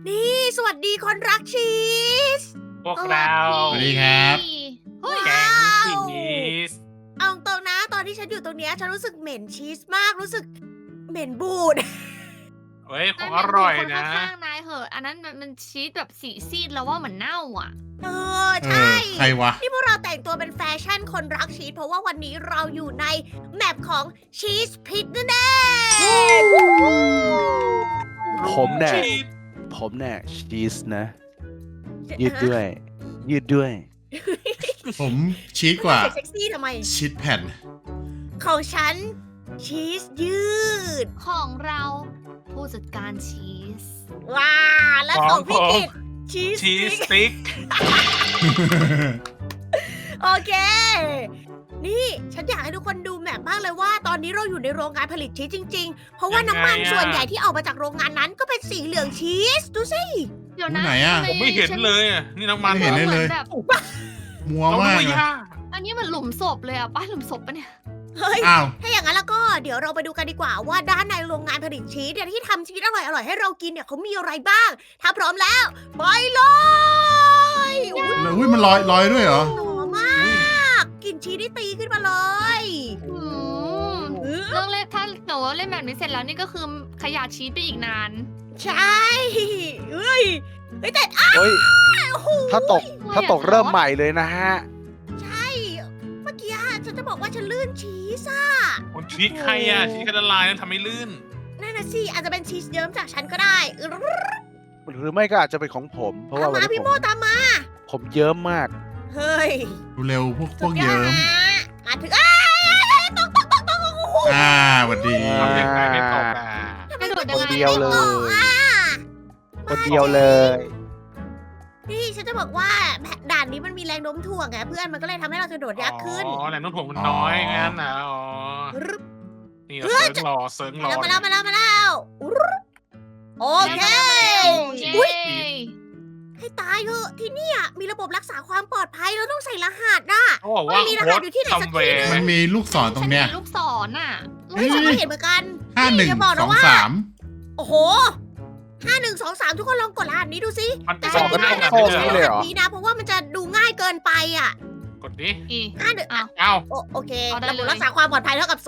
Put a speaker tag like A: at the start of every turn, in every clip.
A: นี่สวัสดีคนรักชีส
B: พวกเรา
C: สวัสดีครับ
A: เฮ้ย
B: แกงชีส
A: เอาตรงนะตอนที่ฉันอยู่ตรงเนี้ยฉันรู้สึกเหม็นชีสมากรู้สึกเหม็นบูด
B: เฮ้ยของอร่อยนะ
D: ข้างๆนายเหอะ อันนั้นมันชีสแบบสีซีดแล้วว่าเหมือนเน่าอ่ะ
A: ใช่
C: ใครวะ
A: นี่พวกเราแต่งตัวเป็นแฟชั่นคนรักชีสเพราะว่าวันนี้เราอยู่ในแมปของชีสพิทนั่นเอง
E: ผมเนี่ย
B: ชีส
E: ผมเนี่ยชีสนะ ยืดด้วย ยืดด้วย
C: ผมชีสกว่า
A: เซ็กซี่ทำไม
C: ชีสแผ่น
A: ของฉันชีสยืด
D: ของเราผู้จัดการชีส
A: ว้าและของพี่กิตชีส
B: ชีส
A: ส
B: ส
A: ติ๊ก
B: ติ๊ก
A: โอเค นี่ฉันอยากให้ทุกคนดูแมปมากเลยว่าตอนนี้เราอยู่ในโรงงานผลิตชีสจริงๆ เพราะว่าน้ำมันส่วนใหญ่ที่ออกมาจากโรงงานนั้นก็เป็นสีเหลืองชีส ดูสิ
D: เดี๋ยวนะ
C: ไหนอะ
D: ทำ
B: ผมไม่เห็นเลยอะนี่น้ำมัน
C: ไม่เห็น
D: ห
C: เลย
D: มือแบบ
C: มัว
B: เรา
C: มาก
B: ไม่
C: เลย
B: ยาก
D: อันนี้มันหลุมศพเลยอ่ะป้าหลุมศพปะเนี่ย
A: เฮ้ย
C: อ้าว
A: ถ้าอย่างนั้นแล้วก็เดี๋ยวเราไปดูกันดีกว่าว่าด้านในโรงงานผลิตชีสเนี่ยที่ทำชีสอร่อยๆให้เรากินเนี่ยเขามีอะไรบ้าง ถ้าพร้อมแล้วไปเลยอุ๊ย
C: แล้วอุ้ยมันลอยด้วยเหรอ
A: หอมมากกลิ่นชีสได้ตีขึ้นมาเลย
D: อืมเรื่องเล่นถ้าหนูว่าเล่นแบบนี้เสร็จแล้วนี่ก็คือขยะชีสไปอีกนาน
A: ใช่เฮ้ยแต่
E: เฮ้ย
A: โอ้โห
E: ถ้าตกเริ่มใหม่เลยนะฮะ
A: ใช่เมื่อกี้ฉันจะบอกว่าฉันลื่นชีสอะ
B: คนชีสใครอะชีสกระลายนั่นทำให้ลื่น
A: นั่นน่ะสิอาจจะเป็นชีสเยิ้มจากฉันก็ได้
E: หรือไม่ก็อาจจะเป็นของผม เพราะ
A: ตา
E: ว่าม วัน
A: มา
E: นี้
A: พี่โมตามมา
E: ผมเยิ้มมาก
A: เฮ้ย
C: ดูเร็วพวกเยิ้ม
A: มาถึงอ้ายตกโอ้โห
C: สวัสดี
B: ทำยังไงไม่ตกอะ
A: ทำไม
D: กระโดด
A: มัน
D: ยังไง
E: เดียวเลย
A: ไม่ตกอะ
E: คนเดียวเลย
A: นี่ฉันจะบอกว่าด่านนี้มันมีแรงโน้มถ่วงไงเพื่อนมันก็เลยทำให้เรากระโดดยากขึ้น
B: อ๋อแหล่งน้ำถ่วงมันน้อยงั้นนะอ๋อ
A: รึบ
B: นี่เราเซิร์งรอเซิร์งรอ
A: มาแล้วรึบโอเค
D: เย้
A: อุ๊ย ให้ตายเถอะที่เนี่ยมีระบบรักษาความปลอดภัยเราต้องใส่รหัสน่ะ
B: เขาบอกว่า
A: มีรหัสอยู่ที่ไหนสักที่หนึ่ง
C: มันมีลูกศรตรงเนี้ย
D: ฉัมีลูกศรน่ะ
A: เฮ้ยฉันก็เห็นเหมือนกัน
C: 51
A: อย่าบอกนะว่า
C: 23
A: โอ้โห5123ทุกคนลองกดรหัสนี้ดูสิ
B: มัน
A: แต่
B: ส
A: ฉั
B: อน บ
A: ไม่
B: ได้
A: ได้
B: ขนาด
A: นะ
B: นี้
A: ใช้
B: เลย
A: ร
B: เหรอ
A: หัสนี้นะ เพราะว่ามันจะดูง่ายเกินไปอ่ะ
B: กดดิ
D: อี
A: 51
D: อ้าว
B: เอ้า
A: โอเค
D: เอาได้
A: ระบบ
D: เลย
A: รักษาความปลอดภัยเท่ากับ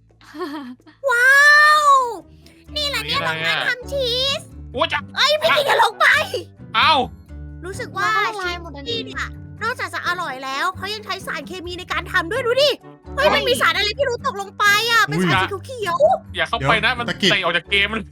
A: 0ว้าว นี่แหละเนี่ยโรงงานทำชีส
B: โอ้จะ
A: พี่กินอย่าลงไป
B: เอ้า
A: รู้สึกว่า
D: ว่าละลาย
A: ชีส
D: หมดอัน
A: นี่
D: นี้
A: เนี่ยนอกจากจะอร่อยแล้วเขายังใช้สารเคมีในการทำด้วยดูดิ เฮ้ย
B: เฮ้ย
A: มันมีสารอะไรที่รู้ตกลงไปอ่ะ เป็นสารสีเขียว
B: อย่าเข้าไปนะมันเตะออกจากเกมมัน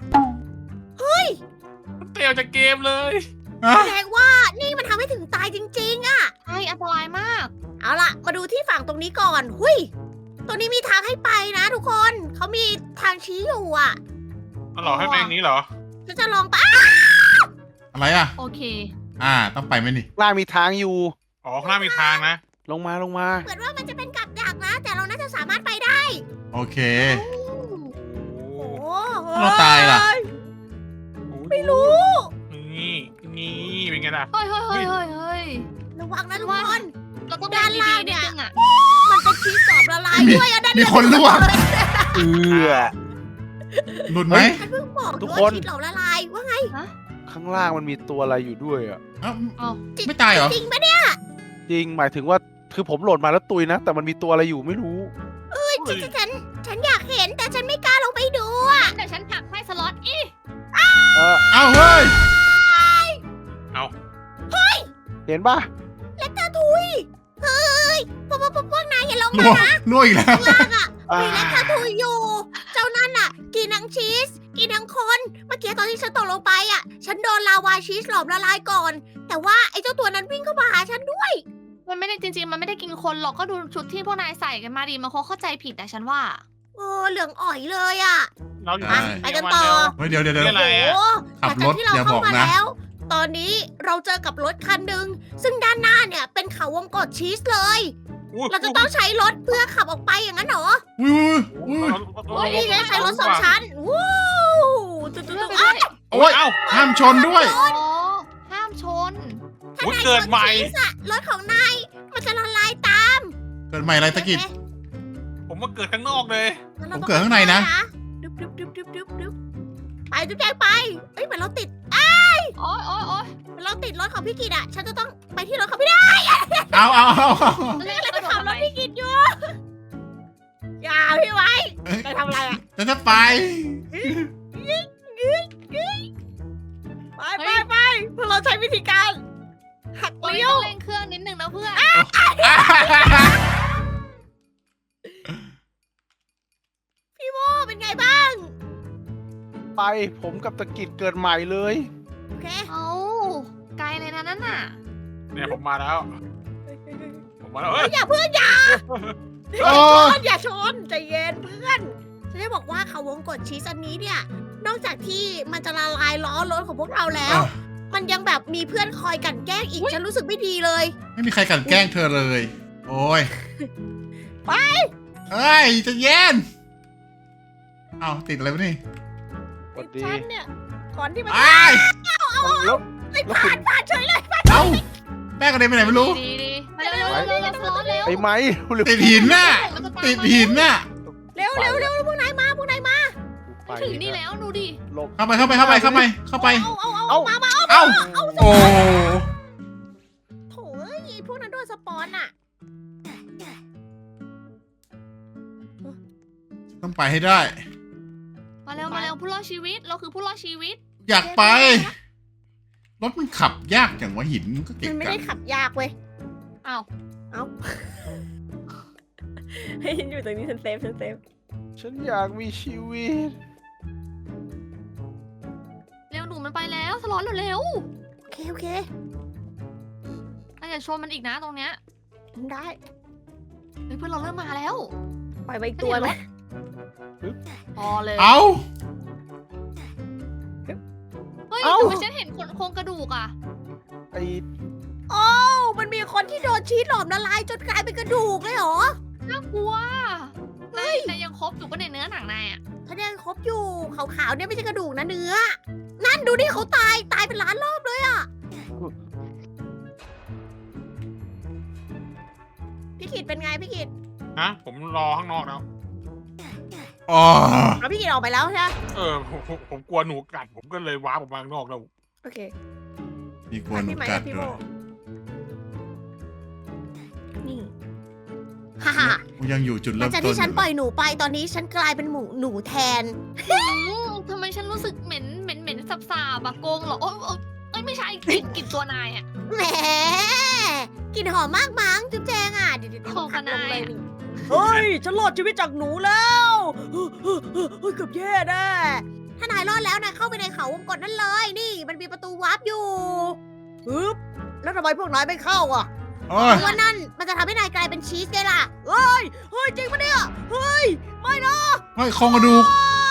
B: มันเตะออกจากเกมเลย
C: อ่ะ
A: ๆแสดงว่านี่มันทำให้ถึงตายจริงๆอ่ะ
D: ใช่อันตรายมาก
A: เอาล่ะ มาดูที่ฝั่งตรงนี้ก่อน หุยตรงนี้มีทางให้ไปนะทุกคน เขามีทางชี้อยู่อ่ะ
B: มันหลอกให้เป็นอย่างนี้เหรอ
A: ฉันจะลองไป
C: อะไรอ่ะ
D: โอเค
C: ต้องไปไหมนี่
E: ล่างมีทางอยู่
B: อ๋อข้างหน้ามีทางนะ
E: ลงมา
A: เหมือนว่ามันจะเป็นกับดักนะ แต่เราน่าจะสามารถไปได้
C: โอเค
B: โอ้
A: โอ้โห
C: เราตายล่ะ
A: ไม่รู้
B: นี่นี่เป็นไงล่ะ
D: เฮ้ยเฮ้ยเฮ้ยเฮ้ยเฮ้ย
A: ระวังนะทุกคน
D: เราต้อง
A: ด้านล่าง
D: ดีๆ
A: เนี่
D: นิด
A: ย
D: นึงอ่ะ
A: มันเป็นชีสกรอบละลายด้วยอะด้าน
C: มี
A: เย
C: คนล่วง
E: เอือ
C: หลุดไหม
A: ฉันเพิ่งบอก
E: ทุก
A: ว่า
E: คน
A: ชีสหลอมละลายว่าไง
E: ข้างล่างมันมีตัวอะไรอยู่ด้วยอ่ะ
C: เอ้า
D: เอา
C: ไม่ตายเหรอ
A: จริงปะเนี่ย
E: จริงหมายถึงว่าคือผมโหลดมาแล้วตุยนะ แต่มันมีตัวอะไรอยู่ไม่รู้
A: ฉันอยากเห็นแต่ฉันไม่กล้าลงไปดูอะ
D: เดี๋ยวฉันผลักให้สล็อตอี
E: เออ
C: เอ้าเฮ้ย
B: เอา
E: เห็นป่ะ
A: และตาทุยเฮ้ยพวกนายอย่าลง
C: ล่
A: มาว
C: ง
A: นะ
C: ล่วงอีกแล้ว
A: ล่างอะ
E: อ่า
A: มีและตาทุยอยู่ เจ้านั่นอะกินทั้งชีส กินทั้งคน เมื่อกี้ตอนที่ฉันตกลงไปอะฉันโดนลาวาชีสหลอมละลายก่อน แต่ว่าไอ้เจ้าตัวนั้นวิ่งเข้ามาหาฉันด้วย
D: มันไม่ได้จริงๆ มันไม่ได้กินคนหรอกก็ดูชุดที่พวกนายใส่กันมาดีมันคงเข้าใจผิดแต่ฉันว่า
A: เหลืองอ่อยเลยอะ
B: เราอยู่
C: ใช่
A: ไปกันต่อ
C: เฮ้ยเดี๋ยว
B: นี่อะไร
A: โอ้
B: อะ
C: ขับรถ
A: หลังจากที่เรา
C: อย่าบ
A: เข้า
C: อก
A: มา
C: นะ
A: แล้ว ตอนนี้เราเจอกับรถคันหนึ่งซึ่งด้านหน้าเนี่ยเป็นเขาวงกตชีสเลย เราจะต้องใช้รถเพื่อขับออกไปอย่างนั้นเหรอ
C: อุ้ยอุ้ย
A: โอ้ยนี่ไงใช้รถสองชั้นว้าวตุ๊ด
D: เลื่อนไป
A: ๆ
D: ด้วย
C: โอ้ย
B: เอ้า
C: ห้ามชนด้วย
D: อ๋อห้ามชน
A: ถ้า
B: โอ้ย
A: นาย
B: เกิดใหม่
A: ชนชีสอะรถของนายมันจะละลายตาม
C: เกิดใหม่อะไรตะกิด
B: ผมมาเกิดข้างนอกเลย
A: งั้น
C: ผ
A: ร
C: ม
A: ต้อง
C: เกิดข้างในนะ
A: ดึบไปจุ๊บแจงไปเอ้ยเหมือนเราติด
D: โอ้ย
A: ติดรถของพี่กิตอ่ะ ฉันจะต้องไปที่รถของพี่ได้
C: เอา
D: เล่น
A: แล้ว
D: ก
A: จะ
D: ระโดด
A: ขับ
D: ทำ
A: ร
D: ไม
A: ถพี่กิตอยู่ อย่าพี่ไว้
C: เอ้ย
A: ไปทำอะไรอ่ะ
C: ฉันจะไป
A: ไปพวกเราใช้วิธีการหัก
D: เฮ้ย
A: เลี้ย
D: ต้
A: ว
D: องเร่งเครื่องนิดนึงนะเพื่อน
A: พี่โมเป็นไงบ้าง
E: ไปผมกับตะกิดเกิดใหม่เลย
A: โอเค
D: เอาไกลเลยนะนั่นน่ะ
B: เนี่ยผมมาแล้ว ผมมาแล้ว
A: เฮ้
B: เอ้
A: ย
B: ย
A: อย่าเพื่อนอย่า
C: โอ้
A: อย่าชนใจเย็นเพื่อนฉันจะบอกว่าเขาวงกดชีสอันนี้เนี่ย นอกจากที่มันจะละลายล้อรถของพวกเราแล้ว มันยังแบบมีเพื่อนคอยกลั่นแกล้งอีก ฉันรู้สึกไม่ดีเลย
C: ไม่มีใครกลันแกล้งเธอเลย โอ้ย
A: ไป
C: เอ้ยใจะเย็น เอาติดอะไรวะนี่
E: สวัสดี
A: ฉันเนี่ยก่อนที่มัน
C: ไอ้าย
E: แล้ว
A: ไม่ผ่านเฉยเลย
C: เอ้าแม่กระเด็นไปไหนไม่รู้
D: ดีมาเร็วสล็อตเร็ว
E: ไอ้ไม้เร็ว
C: ติดหินน่ะ ติดหินน่ะ
A: เร็วพวกนายมา
E: ไป
D: ถึงนี่แล้วดูดิ
E: หลบ
C: เข้าไป
A: เอา มา
C: เอ้า โอ้
A: โถ่เอ้ยพวกนั้นโดนสปอนอ่ะ
C: ต้องไปให้ได้
D: มาเร็วผู้รอดชีวิตเราคือผู้รอดชีวิต
C: อยากไป รถมันขับยากอย่างว่าหินมันก็เก่
A: มั
C: ง
A: นไม่
C: กั
A: ได้
C: น
A: ขับยากเว้ย
D: อ้าว
A: ให้ฉันอยู่ตรงนี้ฉันเซฟ
E: ฉันอยากมีชีวิต
D: เร็วหนูมันไปแล้วสล็อตเร็ว
A: โอเค
D: อย่าชนมันอีกนะตรงเนี้ย
A: ได้
D: เฮ้ยเพื่อนเราเริ่มมาแล้ว
A: ปล่อยไปอีกตัวไหม
D: พอเลย
C: เอ้า
D: เฮ้ย
E: เอ้า
D: ทำไมฉันเห็นโครงกระดูกอ่ะ
E: ไอ้
A: โอ้มันมีคนที่โดนชีสหลอมละลายจนกลายเป็นกระดูกเลยเหรอ
D: น่ากลัวนายยังครบอยู่ก็ในเนื้อหนังนายอ่ะ
A: ถ้ายังครบอยู่ขาวๆเนี่ยไม่ใช่กระดูกนะเนื้อ นั่นดูดิเขาตายเป็นล้านรอบเลยอ่ะ พี่กิตเป็นไงพี่กิต
B: ฮะ ผมรอข้างนอกแล้ว
C: อ๋อ
A: เอาพี่กิตออกไปแล้วใช่ไหม
B: ผมกลัวหนูกัด ผมก็เลยว้าร์ปออกมาข้างนอกแล้ว
A: โอเค
C: มีกวน
A: พี่ไหม
C: กั
A: กั
C: ด
A: บพี่
C: ด้
A: โม
C: วย
A: นี่ฮ่าฮ่า
C: ยังอยู่จุด
A: หลั
C: เริ่
A: ง
C: ม
A: จาก
C: ต้น
A: ที่
C: อ
A: ฉัน
C: ยู่
A: ปล่อยหนูไปตอนนี้ฉันกลายเป็นหนูแทน
D: ทำไมฉันรู้สึกเหม็นสาบๆอะโกงเหรอโอ้ยไม่ใช่กลิ่นตัวนายอะ
A: แหมกลิ่นหอมมากมั้งจุ๊บแจงอ่ะเดี๋ยว
D: โคกันายอะ
A: เฮ้ยฉันรอดชีวิตจากหนูแล้วเฮ้ยเกือบแย่แน่ถ้านายรอดแล้วนายเข้าไปในเขาวงกตนั่นเลยนี่ มันมีประตูวาร์ปอยู่ปึ๊บแล้วทำไมพวกนายไม่เข้าอ่ะ
C: โอ้ย
A: เพราะว่านั่นมันจะทำให้นายกลายเป็นชีสไงล่ะเฮ้ยจริงปะเนี่ยเฮ้ยไม่นะ
C: เฮ้ยโครงกระดูก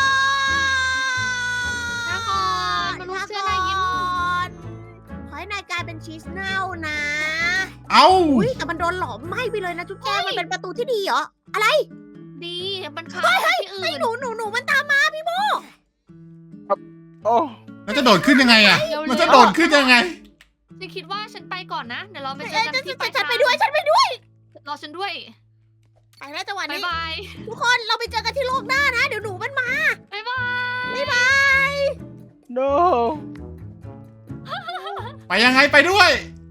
D: ลาก่อนมนุษย์เสื้อนายยิ้ม
A: ขอให้นายกลายเป็นชีสเน่านะ
C: เอ้า
A: อุ้ยแต่มันโดนหลอมไหม้ไปเลยนะจุ๊บแจงมันเป็นประตูที่ดีเหรอ
D: ดีมันพาที่อื่
A: ไอ้
D: น
A: หนูมันตามมาพี่โม
E: โอ้
C: แล้วจะโดดขึ้นยังไงอ่ะ มันจะโดดขึ้นยังไง
D: ฉันคิดว่าฉันไปก่อนนะ เดี๋ยวเราไปเจอกันที่
A: ฉันไปด้วย
D: รอฉันด้วย
A: ไปแล้วจังหวะ
D: บ๊าย
A: นี้
D: บาย
A: ทุกคนเราไปเจอกันที่โลกหน้านะ เดี๋ยวหนูมันมา
D: บ๊ายบาย
A: บ๊ายบาย
E: no
C: ไปยังไงไปด้วย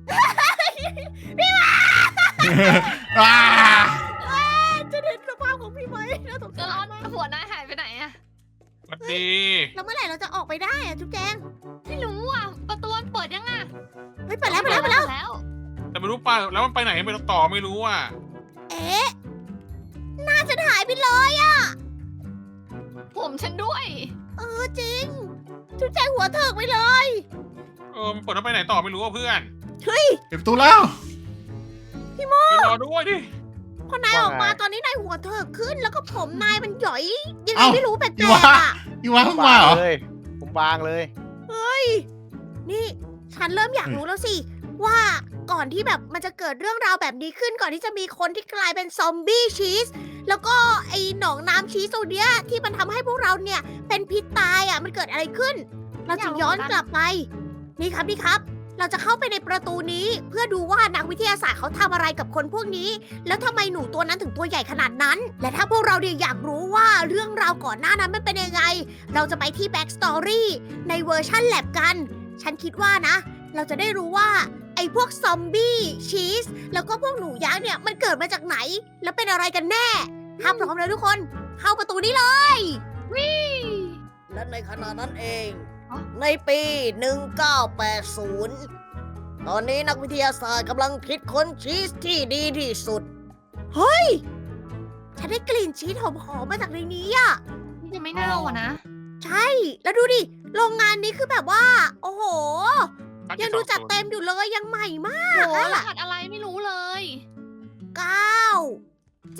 C: อ่า
A: จะเห็นสภาพของพี่ไหมน่าสง
D: จะ
A: สาร
D: ร้อนหัวนายหายไปไหนอะ
B: สวัสดี
A: แล้วเมื่อไหร่เราจะออกไปได้อะจุ๊บแจง
D: ไม่รู้อ่ะประตูมันเปิดยังอ่ะ
A: เฮ้ยไปแล้ว
B: แต่ไม่รู้ป่ะแล้วมันไปไหนไม่รู้ต่อไม่รู้อ่ะ
A: เอ๊ะหน้าฉันหายไปเลย
D: ผมฉันด้วย
A: จริง จุ๊บแจงหัวเถิกไปเลย
B: มันเปิดแล้วไปไหนต่อไม่รู้อ่ะเพื่อน
A: เฮ้ย
C: เก็บประตูแล้ว
B: ไปรอด้วยดิ
A: พอนายออกมา
E: ว่าไง
A: ตอนนี้นายหัวเถิกขึ้น แล้วก็ผมนายมันหย่อยยังไง
C: เอ้า
A: ไม่รู้แปลก
C: อี
A: ๆ
C: วะ
A: อ่ะ
C: อีวะเพิ่งมาเหรอ
E: เลยผมบางเลย
A: นี่ฉันเริ่มอยากรู้แล้วสิ ว่าก่อนที่แบบมันจะเกิดเรื่องราวแบบนี้ขึ้นก่อนที่จะมีคนที่กลายเป็นซอมบี้ชีสแล้วก็ไอ้หนองน้ำชีสตัวเนี้ยที่มันทำให้พวกเราเนี่ยเป็นพิษตายอ่ะมันเกิดอะไรขึ้น เราจะย้อนกลับไป นี่ครับ เราจะเข้าไปในประตูนี้เพื่อดูว่านักวิทยาศาสตร์เขาทำอะไรกับคนพวกนี้ แล้วทำไมหนูตัวนั้นถึงตัวใหญ่ขนาดนั้น และถ้าพวกเราเนี่ยอยากรู้ว่าเรื่องราวก่อนหน้านั้นมันเป็นยังไง เราจะไปที่ Back Story ในเวอร์ชั่นแลบกัน ฉันคิดว่านะเราจะได้รู้ว่าไอ้พวกซอมบี้ชีสแล้วก็พวกหนูยักษ์เนี่ยมันเกิดมาจากไหน แล้วเป็นอะไรกันแน่ ถ้าพร้อมแล้วทุกคน เข้าประตูนี้เลย และในขณะนั้นเอง ในปี 1980 ตอนนี้นักวิทยาศาสตร์กำลังคิดค้นชีสที่ดีที่สุด เฮ้ย ฉันได้กลิ่นชีสหอมๆมาจากในนี้อะ
D: นี่จะไม่เน่าอ่ะนะ
A: ใช่ แล้วดูดิ โรงงานนี้คือแบบว่า โอ้โห ยังดูจัดเต็มอยู่เลย ยังใหม่มาก
D: โหร
A: อะ
D: หัสอะไรไม่รู้เลย
A: 9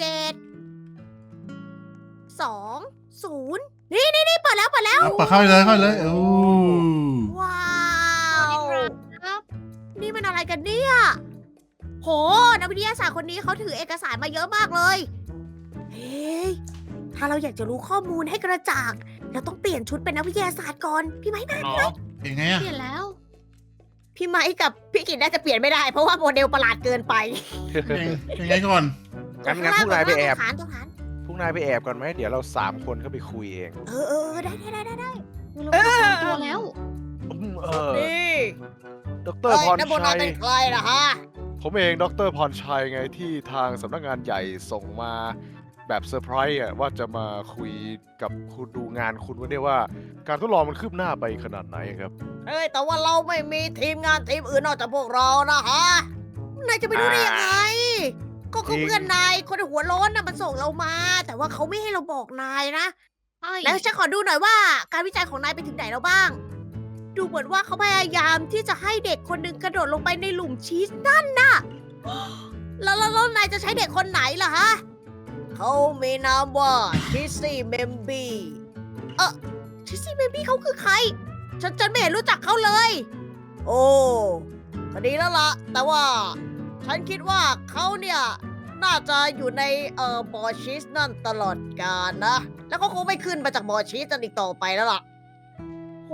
A: 7 2 0 นี่เปิดแล้ว
C: เอาเปิดเข้าไปเลยเข้าไปเลยโอ้
A: ว้าว
D: ครับ
A: นี่มันอะไรกันเนี่ย โห นักวิทยาศาสตร์คนนี้เขาถือเอกสารมาเยอะมากเลย เฮ้ย ถ้าเราอยากจะรู้ข้อมูลให้กระจ่าง เราต้องเปลี่ยนชุดเป็นนักวิทยาศาสตร์ก่อน พี่ไม้
B: อ๋อ
C: เป็นไงอะ
D: เปลี่ยนแล้ว
A: พี่ไม้กับพี่กิตน่าจะเปลี่ยนไม่ได้ เพราะว่าโมเดลประหลาดเกินไป
C: เป็นไงก่อน
E: งั้นพวกนายไปแอบ
A: ตรงฐาน
E: พวกนายไปแอบก่อนไหมเดี๋ยวเรา3 คนเข้าไปคุยเอง
A: เออ ได้
D: เราเจอตัวแล้ว
A: นี่
E: ดรพร
A: นักโบรา
E: ชั
A: ณ
E: ย
A: เป็นใครล่ะฮะ
E: ผมเองดรพรชัยไงที่ทางสำนักงานใหญ่ส่งมาแบบเซอร์ไพรส์อะว่าจะมาคุยกับคุณดูงานคุณว่าเนี่ยว่า การทดลองมันคืบหน้าไปขนาดไหนครับ
A: เฮ้ย แต่ว่าเราไม่มีทีมงานทีมอื่นนอกจากพวกเรานะฮะ นายจะไปรู้ได้ยังไง ก็เขา
E: จริง
A: เพื่อนนายคนหัวโล้นน่ะมันส่งเรามา แต่ว่าเขาไม่ให้เราบอกนายนะ
D: ใช่
A: แล้วฉันขอดูหน่อยว่า การวิจัยของนายไปถึงไหนแล้วบ้าง ดูเหมือนว่าเขาพยายามที่จะให้เด็กคนหนึ่งกระโดดลงไปในหลุมชีสนั่นน่ะ แล้วนายจะใช้เด็กคนไหนล่ะฮะ เขามีนามว่าชิสซี่เมมบี้ชิสซี่เมมบี้เขาคือใคร ฉันไม่เห็นรู้จักเขาเลย โอ้ก็ดีแล้วล่ะ แต่ว่า ฉันคิดว่าเขาเนี่ยน่าจะอยู่ในบ่อชีสนั่นตลอดกาลนะ แล้วก็คงไม่ขึ้นมาจากบ่อชีสนั่นอีกต่อไปแล้วล่ะ โห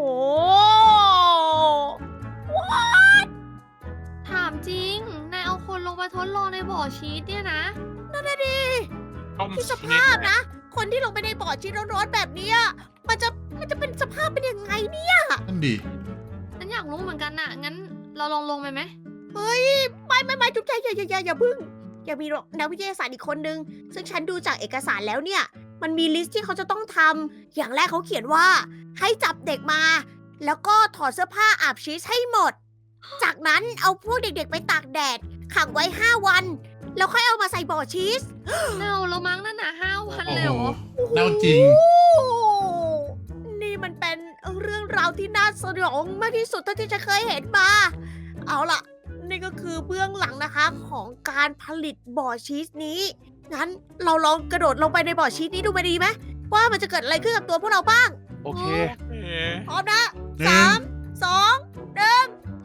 D: ถามจริง นายเอาคนลงมาทดลองในบ่อชีสเนี่ยนะ
A: นั่นน่ะดิ
B: ต้ม
A: ที่ส
B: ชี
A: ภาพ
B: ส
A: นะ คนที่ลงไปในบ่อชีสร้อนๆแบบเนี้ยมันจะเป็นสภาพเป็นยังไงเนี่ย
C: นั่นดี
D: ฉันอยากรู้เหมือนกันน่ะ งั้นเราลงไปไหม
A: เฮ้ย ไม่จุ๊บใจอย่าพึ่ง ยังมีนักวิทยาศาสตร์อีกคนนึง ซึ่งฉันดูจากเอกสารแล้วเนี่ย มันมีลิสต์ที่เขาจะต้องทำ อย่างแรกเขาเขียนว่า ให้จับเด็กมา แล้วก็ถอดเสื้อผ้าอาบชีสให้หมด จากนั้นเอาพวกเด็กๆไปตากแดด ขังไว้ 5 วัน แล้วค่อยเอามาใส่บ่อชีส
D: เน่าแล้วมั้งนั่นน่ะ5 วัน
C: โอ้
D: เลย
C: โห
D: เหรอ
C: เน่าจริง
A: โอ้นี่มันเป็นเรื่องราวที่น่าสยองมากที่สุดเท่าที่จะเคยเห็นมา เอาล่ะ นี่ก็คือเบื้องหลังนะคะของการผลิตบ่อชีสนี้ งั้นเราลองกระโดดลงไปในบ่อชีสนี้ดูไปดีไหมว่ามันจะเกิดอะไรขึ้นกับตัวพวกเราบ้าง
E: โอเค
B: เอ๊ะ
A: พร้อมนะ
C: หนึ่ง
A: 3 2 1
C: โอ้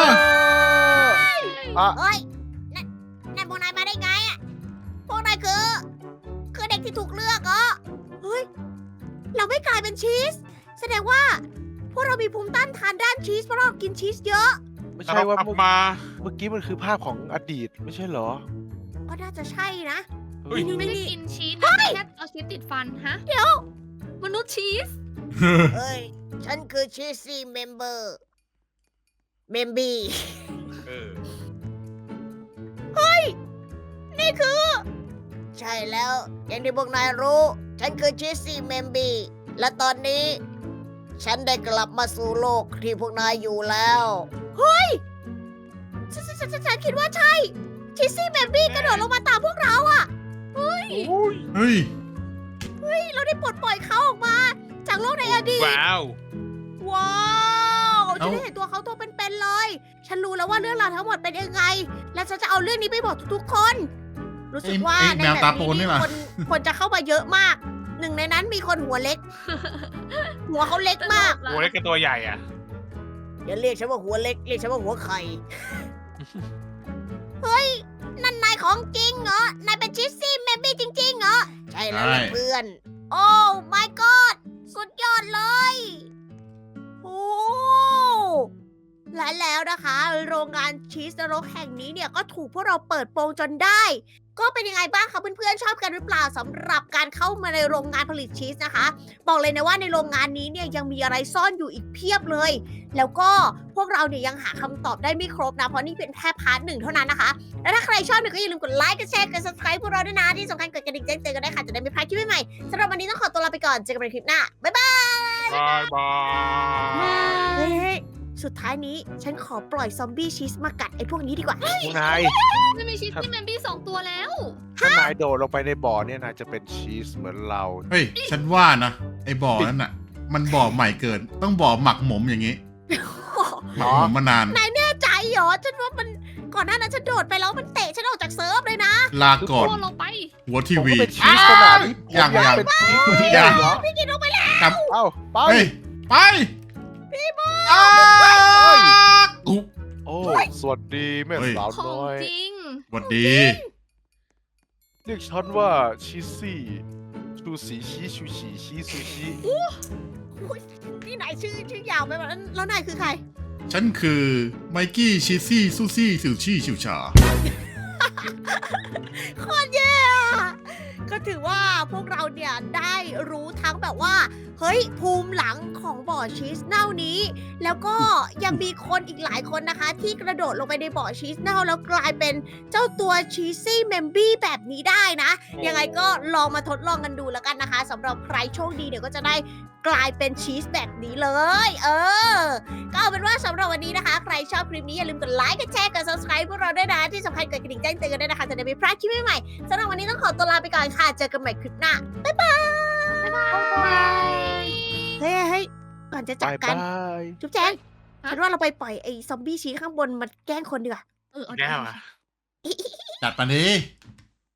E: อ่ะ
A: เฮ้ยนั่นพวกนายมาได้ไงอะพวกนายคือเด็กที่ถูกเลือกเหรอ เฮ้ย เราไม่กลายเป็นชีส แสดงว่า พวกเรามีภูมิต้านทานด้านชีสเพราะเรากินชีสเยอะ
E: ไม่
B: แต่
E: ใช่
B: เรา
E: ว่าก
B: ลับ
E: เมื่อ
B: มา
E: เมื่อกี้มันคือภาพของอดีตไม่ใช่เหรอ
A: ก็น่าจะใช่นะ
B: เฮ้ย
D: ไม่ได้กินชีสนะแค่เอาชีสติดฟันฮะ
A: เดี๋ยว
D: มนุษย์ชีส
A: เฮ้ย ฉันคือชีสซี่เมมเบอร์เมมบี้
B: เออ
A: นี่คือ ใช่แล้ว อย่างที่พวกนายรู้ ฉันคือชีสซี่เมมบี้และตอนนี้ ฉันได้กลับมาสู่โลกที่พวกนายอยู่แล้ว เฮ้ย ฉันคิดว่าใช่ ชีสซี่เมมบี้กระโดดลงมาตามพวกเราอะ
C: เฮ้ย
A: เราได้ปลดปล่อยเขาออกมา จากโลกในอดีต
B: ว้าว
A: ว้าวฉั
C: เอ้า
A: นได้เห็นตัวเขาตัวเป็นๆเลย ฉันรู้แล้วว่าเรื่องราวทั้งหมดเป็นยังไง และฉันจะเอาเรื่องนี้ไปบอกทุกๆคน รู้สึกว่า
C: ไอ้
A: ใน
C: แมว
A: แบบ
C: ตาโปนนี่
A: นี้
C: ล่ะ
A: คนจะเข้ามาเยอะมาก หนึ่งในนั้นมีคนหัวเล็ก หัวเขาเล็กมาก
B: โอ้เล็กกับตัวใหญ่อ่ะ
A: อย่าเรียกฉันว่าหัวเล็ก เรียกฉันว่าหัวไข่ เฮ้ย นั่นนายของจริงเหรอ นายเป็นชิสซี่เมบี้จริงๆเหรอ ใช่แล้วล่ะ
C: ใช่
A: เพื่อน โอ้ my god สุดยอดเลย โอ้และแล้วนะคะ โรงงานชีสนรกแห่งนี้เนี่ยก็ถูกพวกเราเปิดโปงจนได้ก็เป็นยังไงบ้างคะเพื่อนๆชอบกันหรือเปล่าสำหรับการเข้ามาในโรงงานผลิตชีสนะคะ บอกเลยนะว่าในโรงงานนี้เนี่ยยังมีอะไรซ่อนอยู่อีกเพียบเลย แล้วก็พวกเราเนี่ยยังหาคำตอบได้ไม่ครบนะเพราะนี่เป็นแค่พาร์ทหนึ่งเท่านั้นนะคะ แล้วถ้าใครชอบเนี่ยก็อย่าลืมกดไลค์กดแชร์กด subscribe พวกเราด้วยนะที่สำคัญกดกระดิ่งแจ้งเตือนกันได้ค่ะจะได้ไม่พลาดคลิปใหม่ๆสำหรับวันนี้ต้องขอตัวลาไปก่อนเจอกันในคลิปหน้าบ๊ายบาย
B: บายบาย
A: เฮ้ยสุดท้ายนี้ฉันขอปล่อยซอมบี้ชีสมากัดไอ้พวกนี้ดีกว่า
E: คุณนาย
D: ไม่มีชีสที่แมนบี้2 ตัวแล้ว
E: ถ้านายโดดลงไปในบ่อเนี่ยนายจะเป็นชีสเหมือนเรา
C: เฮ้ย ฉันว่านะ ไอ้บ่อนั้นน่ะ มันบ่อใหม่เกิน ต้องบ่อหมักหมมอย่างนี้ หมักหมมมานาน
A: นายแน่ใจเหรอฉันว่ามันก่อนหน้านั้นฉันโดดไปแล้วมันเตะฉันออกจากเซิร์ฟเลยนะ
C: ลาก่อน
D: ตัวลงไป
C: หัวที
E: ผม
C: วี
E: ก็เป็นชีสขนาดนี้ผม
C: ยัง
E: อยากเป็นชีส
C: ยัง
E: เหรอ
A: พี่กินลงไปแล้ว
C: กลับ
E: เอ้าไป
C: เฮ้ย ไป พี่บออุ๊
E: โอ้สวัสดีแม่
C: เฮ้ย
E: สาว
D: ของ
E: น้อย
D: จริง
C: สวัสดี
E: เรียกฉันว่าชีสซี่ชูสีชีชูชีชีซูชิ
A: พี่นายชื่อยาวไปหมดแล้วนายคือใคร
C: ฉันคือไมกี้ชิซี่ซูซี่สิวชี่ชิวชา
A: โคตรแย่อะก็ถือว่าพวกเราเนี่ยได้รู้ทั้งแบบว่า เฮ้ยภูมิหลังของบ่อชีสเน่านี้ แล้วก็ยังมีคนอีกหลายคนนะคะ ที่กระโดดลงไปในบ่อชีสเน่าแล้วกลายเป็นเจ้าตัวชีสซี่เมมบี้แบบนี้ได้นะ ยังไงก็ลองมาทดลองกันดูแล้วกันนะคะสำหรับใครโชคดีเดี๋ยวก็จะได้กลายเป็นชีสแบบนี้เลย ก็เอาเป็นว่าสำหรับวันนี้นะคะ ใครชอบคลิปนี้อย่าลืมกดไลค์กดแชร์กด subscribe พวกเราด้วยนะที่สำคัญกดกระดิ่งแจ้งเตือนกันด้วยนะคะจะได้ไม่พลาดคลิปใหม่ๆสำหรับวันนี้ต้องขอตัวลาไปก่อนค่ะเจอกันใหม่คลิปหน้าบ๊ายบายเฮ้ยก่อนจะจาก
E: บาย
A: กัน
E: บาย
A: จุ๊บแจงฉันว่าเราไปปล่อยไอ้ซอมบี้ชีสข้างบนมาแกล้งคนดีกว่า
D: เอา
B: แย่
D: ได้
B: ว่ะ
C: จัดปะนี้